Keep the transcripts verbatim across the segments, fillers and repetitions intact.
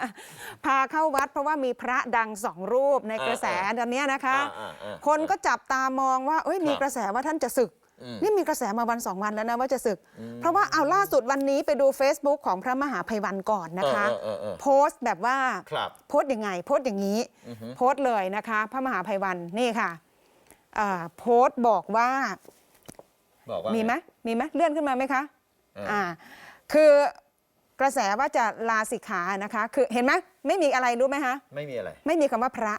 พาเข้าวัดเพราะว่ามีพระดังสองรูปในกระแสตอนนี้นะคะคนก็จับตามองว่าเอ้ยมีกระแสว่าท่านจะสึกนี่มีกระแสมาวันสองวันแล้วนะว่าจะสึกเพราะว่าเอาล่าสุดวันนี้ไปดู Facebook ของพระมหาไพวันก่อนนะคะโพสต์แบบว่าโพสต์ยังไงโพสต์อย่างนี้โพสต์เลยนะคะพระมหาไพวันนี่ค่ะโพสต์บอกว่ามีไหมมีไหมเลื่อนขึ้นมาไหมคะอ่าคือกระแสว่าจะลาสิกขานะคะคือเห็นไหมไม่มีอะไรรู้ไหมคะไม่มีอะไรไม่มีคำว่าพระ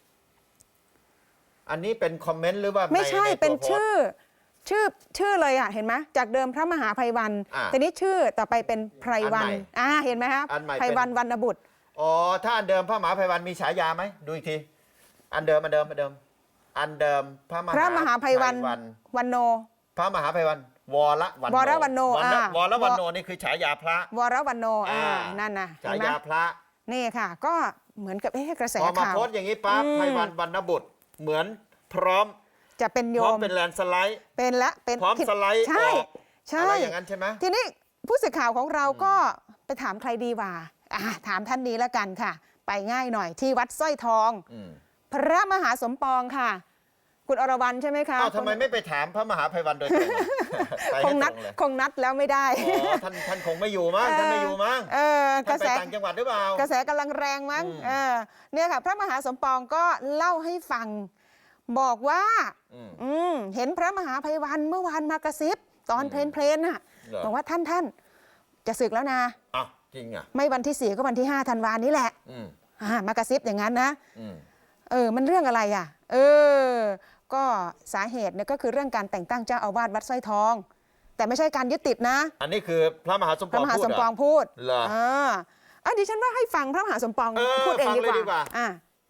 อันนี้เป็นคอมเมนต์หรือว่าไม่ใช่เป็นชื่อชื่อชื่อเลยอ่ะเห็นไหมจากเดิมพระมหาไพวันแต่นี้ชื่อต่อไปเป็นไพรวันอ่าเห็นไหมครับไพวันวรรณบุตรอ๋อถ้าอันเดิมพระมหาไพวันมีฉายาไหมดูอีกทีอันเดิมอันเดิมอันเดิมอันเดิมพระมหาพระมหาไพวันวันโนพระมหาไพวันวรวันโนวรวันโนอ่าวรวันโนนี่คือฉายาพระวรวันโนอ่านั่นนะฉายาพระนี่ค่ะก็เหมือนกับเอ๊ะกระแสข่าวพอมาโพสต์อย่างนี้ปั๊บไพวันวรรณบุตรเหมือนพร้อมจะเป็นโยมพร้อมเป็นแลนสไลด์เป็นละเป็นพร้อมสไลด์ใช่ใช่อะไรอย่างนั้นใช่ไหมทีนี้ผู้สื่อข่าวของเราก็ไปถามใครดีว่าถามท่านนี้แล้วกันค่ะไปง่ายหน่อยที่วัดสร้อยทองพระมหาสมปองค่ะคุณอรวรรณใช่ไหมคะทำไมไม่ไปถามพระมหาไพวันโดยตรงคงนัดคงนัดแล้วไม่ได้ท่านท่านคงไม่อยู่มั้งท่านไม่อยู่มั้งเออกระแสต่างจังหวัดหรือเปล่ากระแสกำลังแรงมั้งเออเนี่ยค่ะพระมหาสมปองก็เล่าให้ฟังบอกว่าอืมเห็นพระมหาไพวันเมื่อวานมากระซิบตอนเพลนเพลนน่ะบอกว่าท่านท่านจะศึกแล้วนะอ้าวจริงอ่ะไม่วันที่สี่ก็วันที่ห้าธันวานี้แหละมากระซิบอย่างนั้นนะเออมันเรื่องอะไรอ่ะเออก็สาเหตุเนี่ยก็คือเรื่องการแต่งตั้งเจ้าอาวาสวัดสร้อยทองแต่ไม่ใช่การยึดติดนะอันนี้คือพระมหาสมปองพระมหาสมปองพูดเหรออ่าอ่ะดิฉันว่าให้ฟังพระมหาสมปองพูดเองดีกว่าอ่า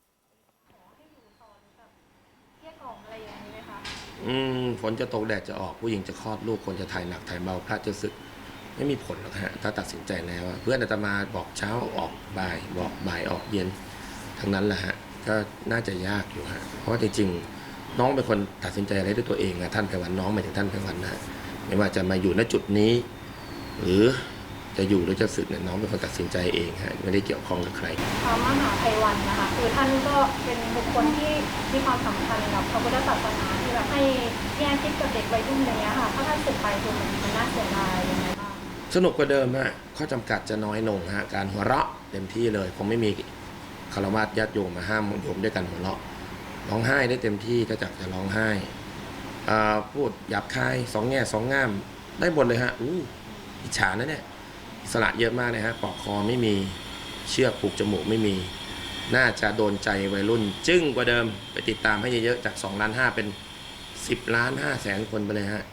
อืมฝนจะตกแดดจะออกผู้หญิงจะคลอดลูกคนจะถ่ายหนักถ่ายเบาพระจะสึกไม่มีผลหรอกฮะถ้าตัดสินใจแล้วเพื่อนอาตมาบอกเช้าออกบ่ายบอกบ่ายออกเย็นทั้งนั้นแหละฮะก็น่าจะยากอยู่ฮะเพราะว่าจริงๆน้องเป็นคนตัดสินใจอะไรด้วยตัวเองนะท่านไพวันน้องหมายถึงท่านไพวันนะไม่ว่าจะมาอยู่ณจุดนี้หรือจะอยู่หรือจะสึกเนี่ยน้องเป็นคนตัดสินใจเองฮะไม่ได้เกี่ยวข้องกับใครพระมหาไพวันนะคะคือท่านก็เป็นบุคคลที่มีความสำคัญกับพระพุทธศาสนาที่แบบให้แง่คิดกับเด็กวัยรุ่นอย่างเงี้ยค่ะถ้าท่านสึกไปคือมันมันน่าเสียดายยังไงบ้างสนุกกว่าเดิมฮะข้อจำกัดจะน้อยลงฮะการหัวเราะเต็มที่เลยคงไม่มีคารวะญาติโยมมาห้ามโยมด้วยกันหัวเราะร้องไห้ได้เต็มที่ถ้าจักจะร้องไห้พูดหยาบคายสองแง่สองง่ามได้หมดเลยฮะอู้อิจฉานะเนี่ยอิสระเยอะมากเลยฮะปอกคอไม่มีเชือกผูกจมูกไม่มีน่าจะโดนใจวัยรุ่นจึ้งกว่าเดิมไปติดตามให้เยอะๆจากสองล้านห้าเป็นสิบล้านห้าแสนคนไปเลยฮะ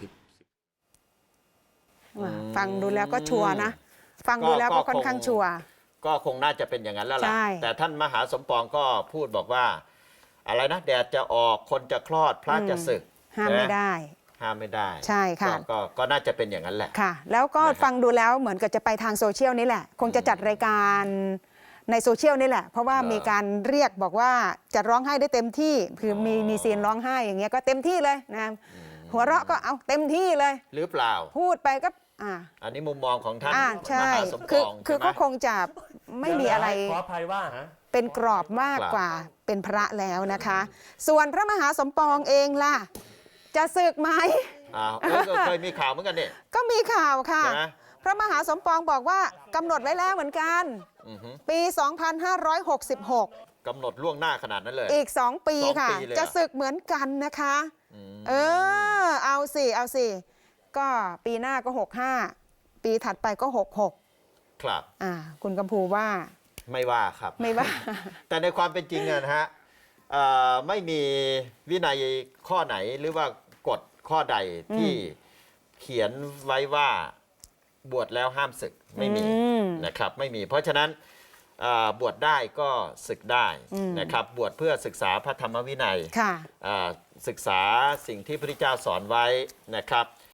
ฟังดูแล้วก็ชัวร์นะฟังดูแล้วก็ค่อนข้างชัวร์ก็คงน่าจะเป็นอย่างนั้นแล้วล่ะแต่ท่านมหาสมปองก็พูดบอกว่าอะไรนะแดดจะออกคนจะคลอดพระจะสึกห้ามไม่ได้ห้ามไม่ได้ใช่ค่ะก็ก็น่าจะเป็นอย่างนั้นแหละค่ะแล้วก็ฟังดูแล้วเหมือนกับจะไปทางโซเชียลนี่แหละคงจะจัดรายการในโซเชียลนี่แหละเพราะว่ามีการเรียกบอกว่าจะร้องไห้ได้เต็มที่คือมีมีซีนร้องไห้อย่างเงี้ยก็เต็มที่เลยนะหัวเราะก็เอาเต็มที่เลยหรือเปล่าพูดไปก็อ่าอันนี้มุมมองของท่านมหาสมปองคือก็คงจะไม่มีอะไรขออภัยว่าเป็นกรอบมากกว่าเป็นพระแล้วนะคะส่วนพระมหาสมปองเองล่ะจะสึกไหมอ้าวเคยมีข่าวเหมือนกันเนี่ยก็มีข่าวค่ะพระมหาสมปองบอกว่ากำหนดไว้แล้วเหมือนกันปีสองพันห้าร้อยหกสิบหกกำหนดล่วงหน้าขนาดนั้นเลยอีกสองปีค่ะจะสึกเหมือนกันนะคะเออเอาสิเอาสิก็ปีหน้าก็หกห้าปีถัดไปก็หกหกครับอ่าคุณกำพูว่าไม่ว่าครับไม่ว่าแต่ในความเป็นจริงนะฮะไม่มีวินัยข้อไหนหรือว่ากฎข้อใดที่เขียนไว้ว่าบวชแล้วห้ามศึกไม่มีนะครับไม่มีเพราะฉะนั้นบวชได้ก็ศึกได้นะครับบวชเพื่อศึกษาพระธรรมวินัยศึกษาสิ่งที่พระพุทธเจ้าสอนไว้นะครับ